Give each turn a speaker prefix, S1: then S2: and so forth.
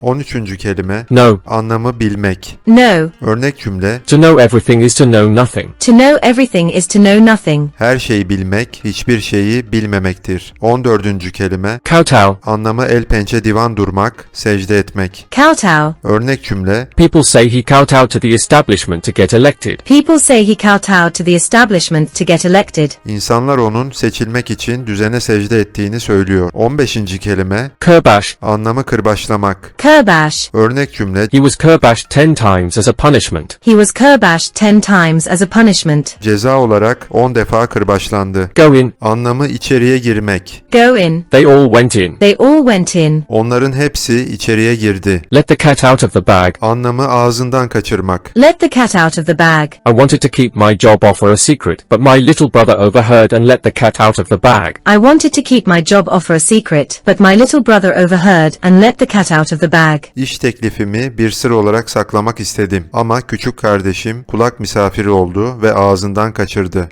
S1: 13. kelime
S2: No.
S1: anlamı bilmek.
S3: No.
S1: Örnek cümle
S2: To know everything is to know nothing.
S3: To know everything is to know nothing.
S1: her şeyi bilmek, hiçbir şeyi bilmemektir. 14. kelime
S2: Kowtow.
S1: anlamı el pençe divan durmak, secde etmek.
S3: Kowtow.
S1: Örnek cümle
S2: People say he kowtowed to the establishment to get elected.
S3: People say he kowtowed to the establishment to get elected.
S1: İnsanlar onun seçilmek için düzene secde ettiğini söylüyor. 15. kelime
S2: Kerbash.
S1: anlamı kırbaçlamak.
S3: Kerbash.
S1: Örnek cümle
S2: He was kerbashed 10 times as a punishment.
S3: He was kerbashed 10 times as a punishment.
S1: ceza olarak 10 defa kırbaçlandı.
S2: Go in.
S1: Anlamı içeriye girmek.
S3: Go in.
S2: They all went in.
S3: They all went in.
S1: Onların hepsi içeriye girdi.
S2: Let the cat out of the bag.
S1: Anlamı ağzından kaçırmak.
S3: Let the cat out of the bag.
S2: I wanted to keep my job offer a secret, but my little brother overheard and let the cat out of the bag.
S3: I wanted to keep my job offer a secret, but my little brother overheard and let the cat out of the bag.
S1: İş teklifimi bir sır olarak saklamak istedim ama küçük kardeşim kulak misafiri oldu ve ağzından kaçırdı.